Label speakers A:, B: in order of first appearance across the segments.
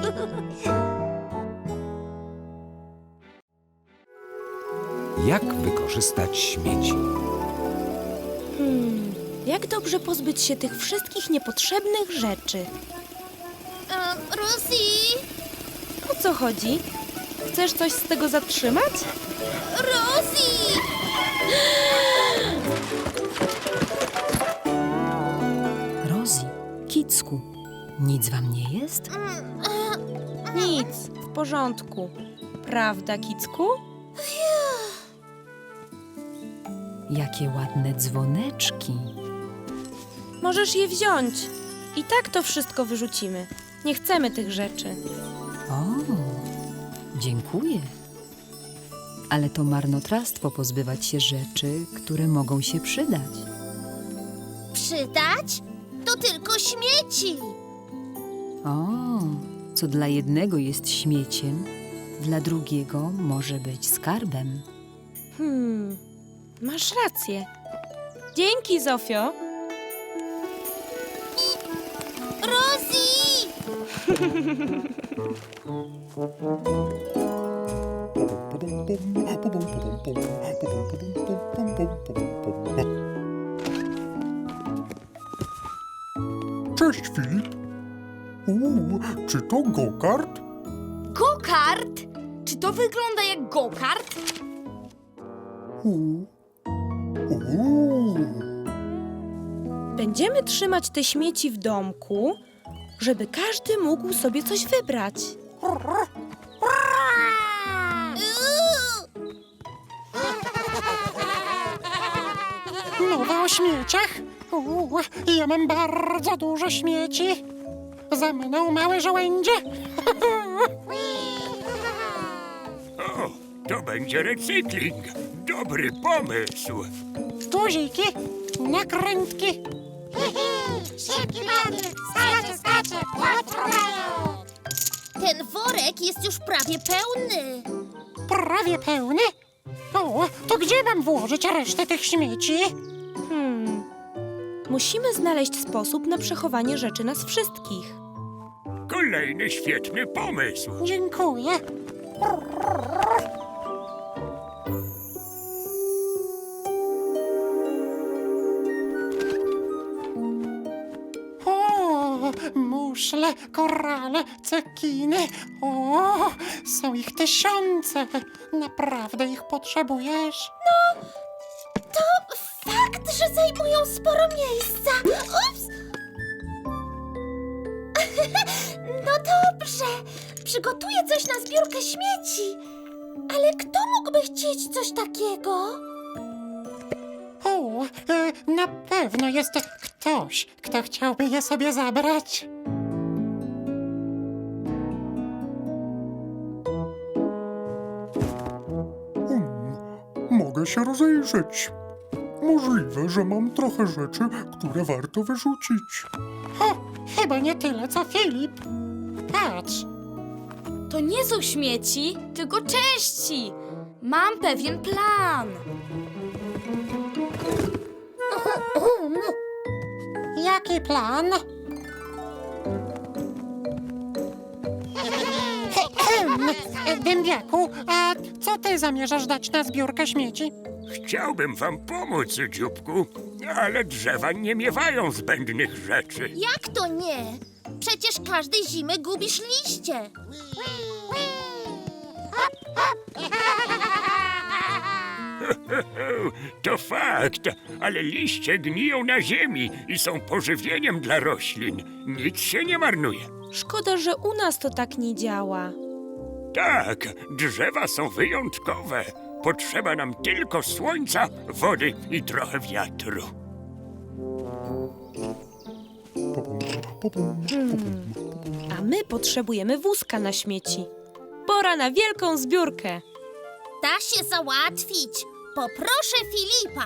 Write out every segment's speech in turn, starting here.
A: Jak wykorzystać śmieci?
B: Jak dobrze pozbyć się tych wszystkich niepotrzebnych rzeczy?
C: Rosie!
B: O co chodzi? Chcesz coś z tego zatrzymać?
C: Rosie!
D: Rosie, Kicku, nic wam nie jest?
B: Nic, w porządku. Prawda, Kicku?
D: Jakie ładne dzwoneczki.
B: Możesz je wziąć. I tak to wszystko wyrzucimy. Nie chcemy tych rzeczy.
D: O, dziękuję. Ale to marnotrawstwo pozbywać się rzeczy, które mogą się przydać.
C: Przydać? To tylko śmieci.
D: O, co dla jednego jest śmieciem, dla drugiego może być skarbem.
B: Masz rację. Dzięki, Zofio.
C: Rosie!
E: Cześć, Filip. Czy to go-kart?
C: Go-kart? Czy to wygląda jak go-kart?
B: Będziemy trzymać te śmieci w domku, żeby każdy mógł sobie coś wybrać.
F: Mowa o śmieciach? Ja mam bardzo dużo śmieci. Za mną małe żołędzie.
G: O, to będzie recykling. Dobry pomysł.
F: Guziki, nakrętki.
C: Ten worek jest już prawie pełny.
F: Prawie pełny. O, to gdzie mam włożyć resztę tych śmieci?
B: Musimy znaleźć sposób na przechowanie rzeczy nas wszystkich.
G: Kolejny świetny pomysł.
F: Dziękuję. O, muszle, korale, cekiny. O, są ich tysiące. Naprawdę ich potrzebujesz?
C: To fakt, że zajmują sporo miejsca. Ups! No dobrze. Przygotuję coś na zbiórkę śmieci. Ale kto mógłby chcieć coś takiego?
F: O, na pewno jest ktoś, kto chciałby je sobie zabrać.
E: Mogę się rozejrzeć. Możliwe, że mam trochę rzeczy, które warto wyrzucić.
F: O, chyba nie tyle, co Filip. Patrz,
H: To nie są śmieci, tylko części. Mam pewien plan.
F: jaki plan? Dębiaku, a co ty zamierzasz dać na zbiórkę śmieci?
G: Chciałbym wam pomóc, dzióbku, ale drzewa nie miewają zbędnych rzeczy.
C: Jak to nie? Przecież każdej zimy gubisz liście.
G: To fakt, ale liście gniją na ziemi i są pożywieniem dla roślin. Nic się nie marnuje.
B: Szkoda, że u nas to tak nie działa.
G: Tak, drzewa są wyjątkowe. Potrzeba nam tylko słońca, wody i trochę wiatru.
B: A my potrzebujemy wózka na śmieci. Pora na wielką zbiórkę.
C: Da się załatwić. Poproszę Filipa.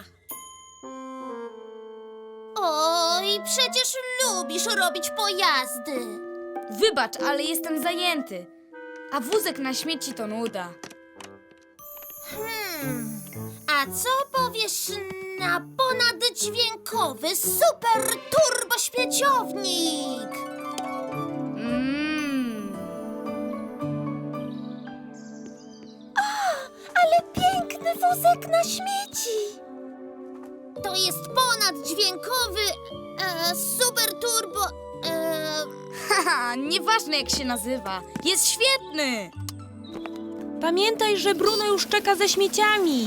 C: Oj, przecież lubisz robić pojazdy.
H: Wybacz, ale jestem zajęty. A wózek na śmieci to nuda.
C: A co powiesz na ponaddźwiękowy super turbo śmieciownik? wózek na śmieci. To jest ponaddźwiękowy, super turbo,
H: Haha, nieważne jak się nazywa. Jest świetny!
B: Pamiętaj, że Bruno już czeka ze śmieciami.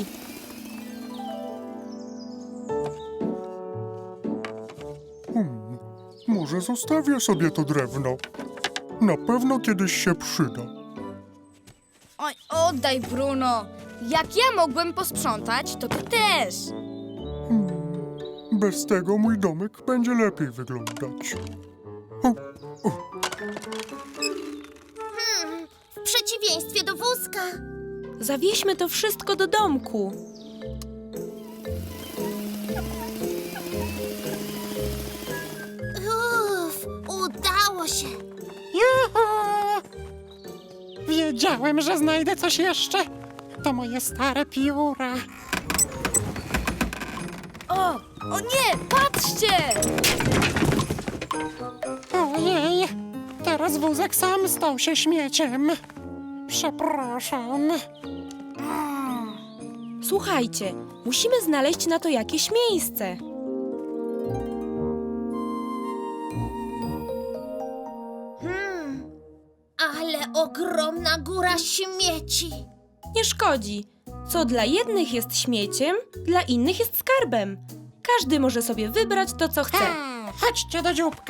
E: Może zostawię sobie to drewno. Na pewno kiedyś się przyda.
H: Oj, oddaj, Bruno. Jak ja mogłem posprzątać, to ty też.
E: Bez tego mój domek będzie lepiej wyglądać. O,
C: w przeciwieństwie do wózka.
B: Zawieźmy to wszystko do domku.
C: Udało się.
F: Juhu! Wiedziałem, że znajdę coś jeszcze. To moje stare pióra.
H: O nie, patrzcie!
F: Ojej, teraz wózek sam stał się śmieciem. Przepraszam.
B: Słuchajcie, musimy znaleźć na to jakieś miejsce.
C: Ale ogromna góra śmieci.
B: Nie szkodzi. Co dla jednych jest śmieciem, dla innych jest skarbem. Każdy może sobie wybrać to, co chce.
F: Chodźcie do dzióbka.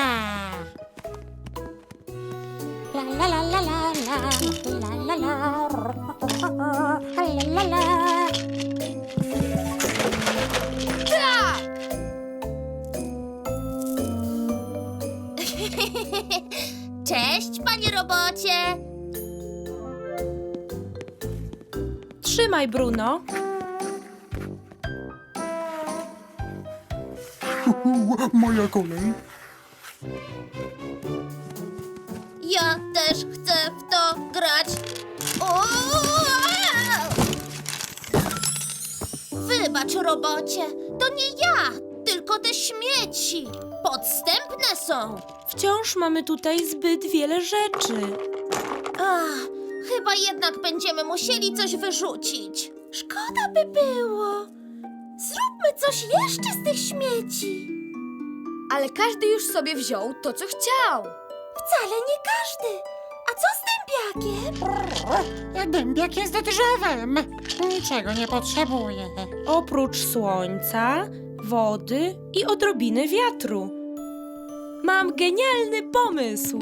F: La la la la la la la la la la la la.
C: Cześć, panie robocie.
B: Trzymaj, Bruno.
E: moja kolej.
C: Ja też chcę w to grać. O! Wybacz, robocie. To nie ja, tylko te śmieci. Podstępne są.
B: Wciąż mamy tutaj zbyt wiele rzeczy.
C: Ach, chyba jednak będziemy musieli coś wyrzucić. Szkoda by było. Zróbmy coś jeszcze z tych śmieci.
H: Ale każdy już sobie wziął to, co chciał.
C: Wcale nie każdy. A co z dębiakiem?
F: Dębiak jest drzewem. Niczego nie potrzebuje.
B: Oprócz słońca, wody i odrobiny wiatru. Mam genialny pomysł.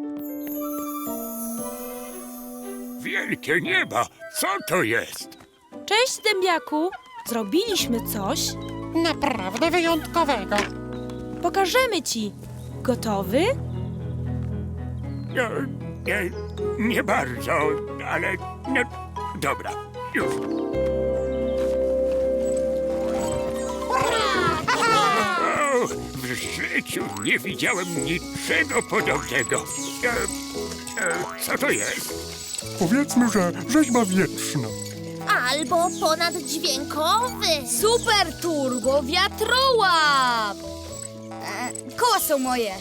G: Wielkie nieba, co to jest?
B: Cześć, dębiaku. Zrobiliśmy coś.
F: Naprawdę wyjątkowego.
B: Pokażemy ci. Gotowy?
G: No, nie bardzo, ale no, dobra, już. O, w życiu nie widziałem niczego podobnego. Co to jest?
E: Powiedzmy, że rzeźba wietrzna.
C: Albo ponaddźwiękowy.
H: Super turbo wiatrołap! Koła są moje.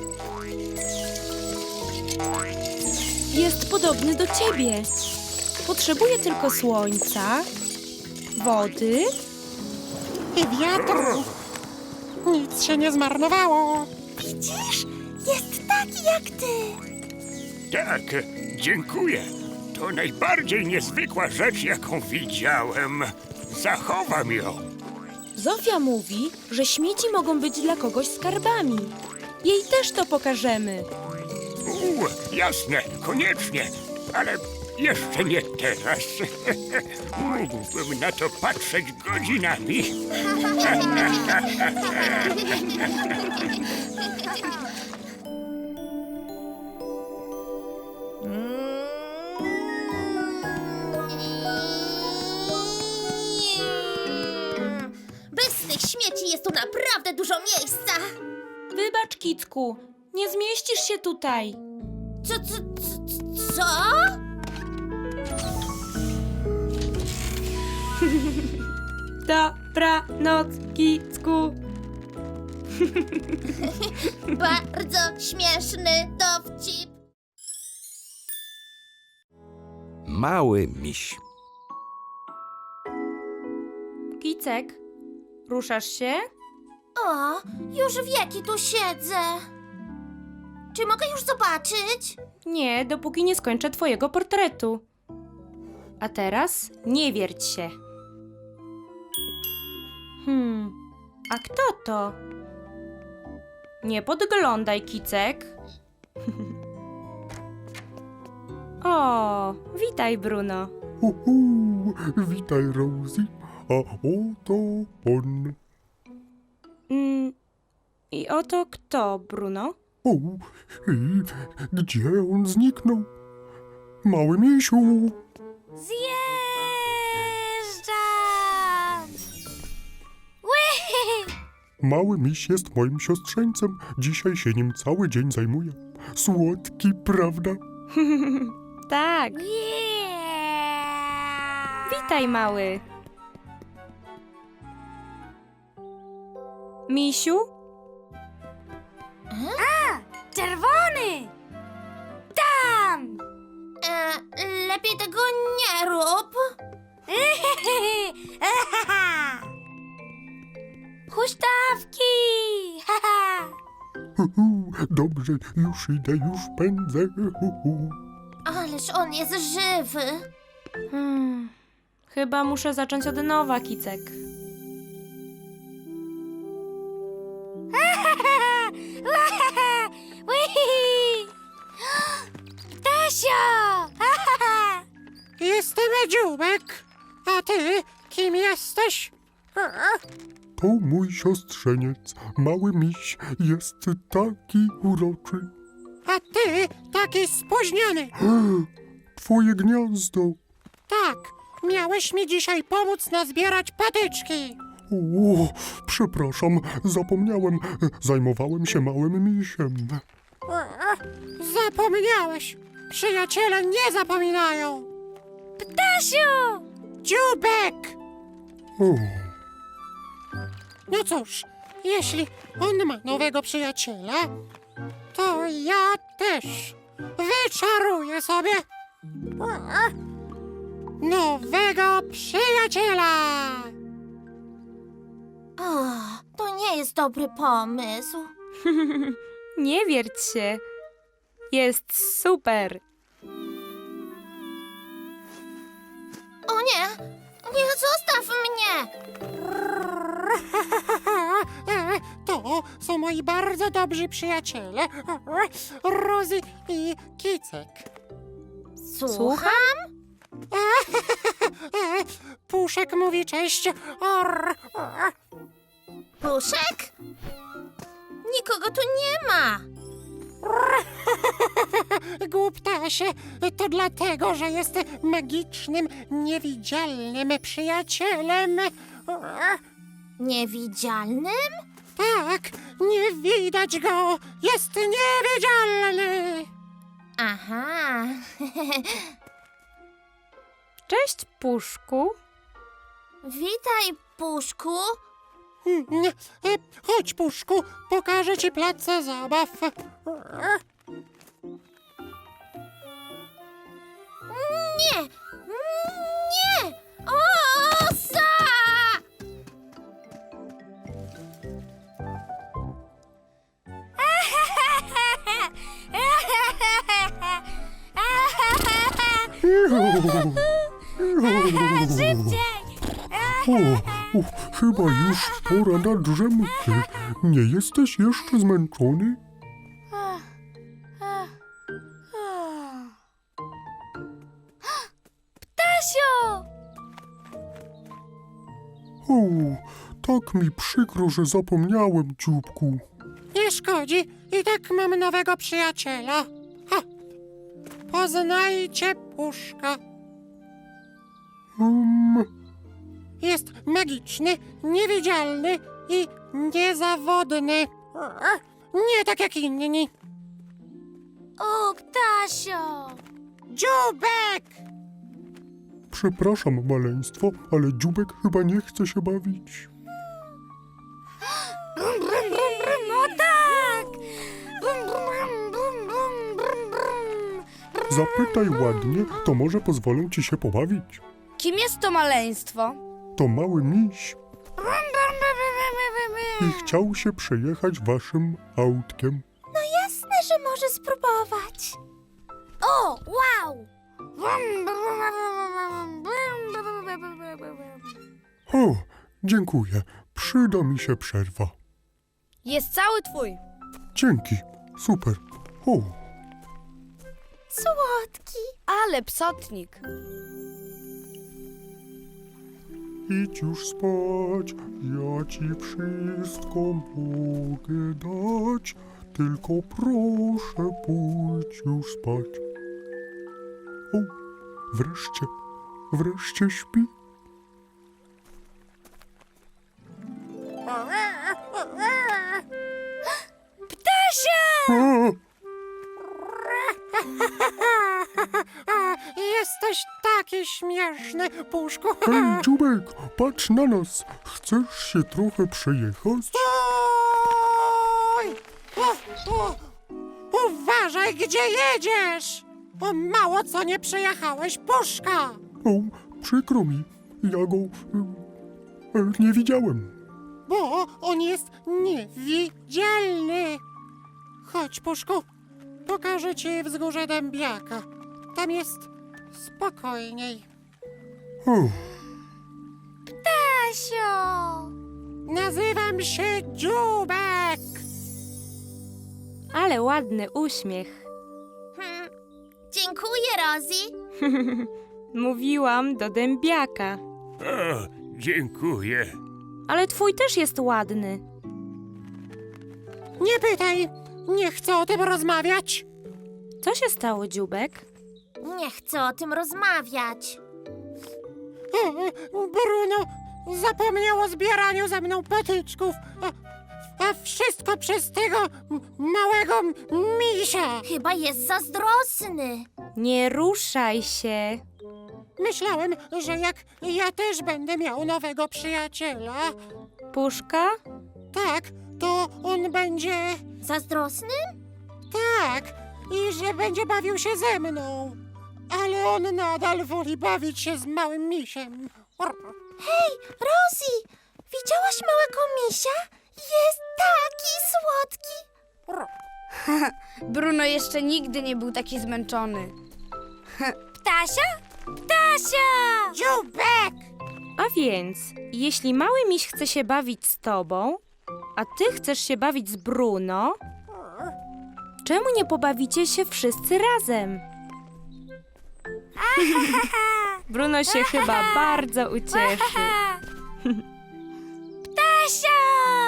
B: Jest podobny do ciebie. Potrzebuje tylko słońca, wody.
F: I wiatru. Nic się nie zmarnowało.
C: Widzisz? Jest taki jak ty.
G: Tak, dziękuję. To najbardziej niezwykła rzecz, jaką widziałem. Zachowam ją.
B: Zofia mówi, że śmieci mogą być dla kogoś skarbami. Jej też to pokażemy.
G: Jasne, koniecznie, ale jeszcze nie teraz. Mógłbym na to patrzeć godzinami.
C: Bez tych śmieci jest tu naprawdę dużo miejsca.
B: Wybacz, Kicku, nie zmieścisz się tutaj.
C: Co?
B: Dobranoc, Kicku.
C: Bardzo śmieszny dowcip.
A: Mały miś.
B: Kicek, ruszasz się?
C: O, już wieki tu siedzę. Czy mogę już zobaczyć?
B: Nie, dopóki nie skończę twojego portretu. A teraz nie wierć się. A kto to? Nie podglądaj, Kicek. O, witaj, Bruno.
E: Uhu, witaj, Rosie. A oto on.
B: I oto kto, Bruno?
E: O, i gdzie on zniknął? Mały misiu.
C: Zjeżdżam! Ły!
E: Mały miś jest moim siostrzeńcem. Dzisiaj się nim cały dzień zajmuję. Słodki, prawda?
B: Tak, witaj, mały. Misiu?
H: Czerwony! Tam!
C: Lepiej tego nie rób.
H: Huśtawki!
E: Dobrze, już idę, już pędzę.
C: Ależ on jest żywy.
B: Chyba muszę zacząć od nowa, Kicek.
H: Tasio!
F: Jestem Dziubek. A ty kim jesteś?
E: To mój siostrzeniec, mały miś, jest taki uroczy.
F: A ty taki spóźniony.
E: Twoje gniazdo.
F: Tak, miałeś mi dzisiaj pomóc nazbierać patyczki.
E: O, przepraszam, zapomniałem. Zajmowałem się małym misiem.
F: Zapomniałeś. Przyjaciele nie zapominają.
H: Tasiu!
F: Dziubek!
E: O,
F: No cóż, jeśli on ma nowego przyjaciela, to ja też wyczaruję sobie nowego przyjaciela.
C: O, to nie jest dobry pomysł.
B: Nie wierć się. Jest super.
C: O nie! Nie, zostaw mnie!
F: To są moi bardzo dobrzy przyjaciele, Rosie i Kicek.
C: Słucham?
F: Puszek mówi cześć.
C: Puszek? Nikogo tu nie ma.
F: Głuptasie, to dlatego, że jest magicznym, niewidzialnym przyjacielem.
C: Niewidzialnym?
F: Tak, nie widać go, jest niewidzialny.
C: Aha.
B: Cześć, Puszku.
C: Witaj, Puszku.
F: Chodź, Puszku, pokażę ci plac zabaw.
C: Nie! Nie! Osa!
E: O, chyba już pora na drzemkę. Nie jesteś jeszcze zmęczony?
H: Tasio!
E: O, tak mi przykro, że zapomniałem, dzióbku.
F: Nie szkodzi, i tak mam nowego przyjaciela. Ha. Poznajcie Puszka. Jest magiczny, niewidzialny i niezawodny. Nie tak jak inni.
H: O, Tasio!
F: Dziubek!
E: Przepraszam, maleństwo, ale dzióbek chyba nie chce się bawić.
H: Brum, brum, brum, brum, no tak! Brum, brum, brum, brum, brum, brum.
E: Zapytaj ładnie, to może pozwolę ci się pobawić.
H: Kim jest to maleństwo?
E: To mały miś. I chciał się przejechać waszym autkiem.
C: Jasne, że może spróbować. O, wow!
E: O, dziękuję. Przyda mi się przerwa.
H: Jest cały twój.
E: Dzięki. Super. O,
C: Słodki.
H: Ale psotnik.
E: idź już spać. Ja ci wszystko mogę dać. Tylko proszę pójdź już spać. O, wreszcie śpi.
F: Ptasia! Jesteś taki śmieszny, Puszku.
E: Hej, Dziubek, patrz na nas. Chcesz się trochę przejechać?
F: Oj! O! Uważaj, gdzie jedziesz! O, mało co nie przejechałeś, Puszka!
E: O, przykro mi. Ja go nie widziałem.
F: Bo on jest niewidzialny. Chodź, Puszku, pokażę ci wzgórze Dębiaka. Tam jest spokojniej.
E: O,
C: Tasio!
F: Nazywam się Dziubek.
B: Ale ładny uśmiech.
C: Dziękuję, Rosie.
B: Mówiłam do dębiaka.
G: O, dziękuję.
B: Ale twój też jest ładny.
F: Nie pytaj, nie chcę o tym rozmawiać.
B: Co się stało, Dziubek?
C: Nie chcę o tym rozmawiać.
F: Bruno zapomniał o zbieraniu ze mną patyczków. A wszystko przez tego małego misia.
C: Chyba jest zazdrosny.
B: Nie ruszaj się.
F: Myślałem, że jak ja też będę miał nowego przyjaciela,
B: Puszka?
F: tak, to on będzie
C: Zazdrosny?
F: tak i że będzie bawił się ze mną. Ale on nadal woli bawić się z małym misiem.
C: Hej, Rosie! Widziałaś małego misia? Jest taki słodki.
H: Bruno jeszcze nigdy nie był taki zmęczony.
C: Ptasia? Ptasia!
F: Dziubek!
B: A więc, jeśli mały miś chce się bawić z tobą, a ty chcesz się bawić z Bruno, czemu nie pobawicie się wszyscy razem? Bruno się chyba bardzo ucieszy.
C: Ptasia!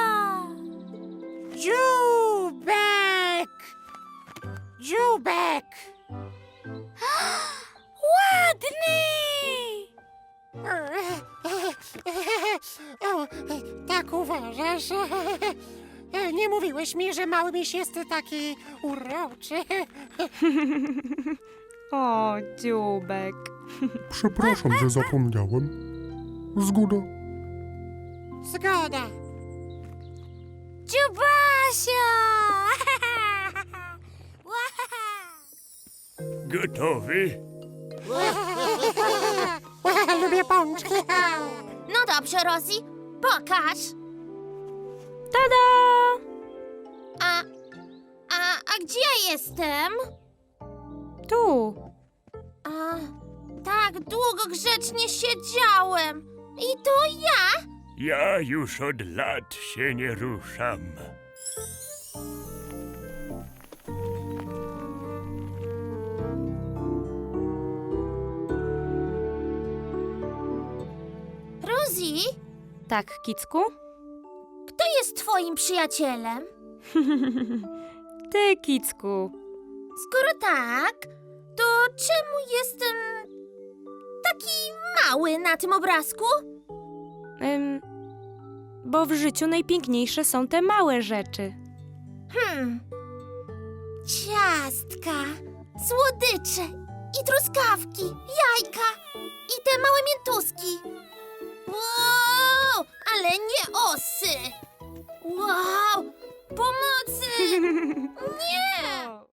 F: Dziubek! Dziubek!
C: Ładny!
F: O, tak uważasz? Nie mówiłeś mi, że mały miś jest taki uroczy.
B: O, Dziubek.
E: Przepraszam, że zapomniałem. Zgoda.
F: Zgoda.
C: Dziubasia!
G: Gotowy?
F: Lubię pączki.
C: No dobrze, Rosie, pokaż.
B: Tada!
C: A gdzie ja jestem?
B: Tu.
C: A, tak długo grzecznie siedziałem. I to ja?
G: Ja już od lat się nie ruszam.
C: Rosie,
B: Tak, Kicku?
C: kto jest twoim przyjacielem?
B: Ty, Kicku.
C: Skoro tak, to czemu jestem taki mały na tym obrazku?
B: Bo w życiu najpiękniejsze są te małe rzeczy.
C: Ciastka, słodycze i truskawki, jajka i te małe miętuski. Wow, ale nie osy. Wow, pomocy! Nie!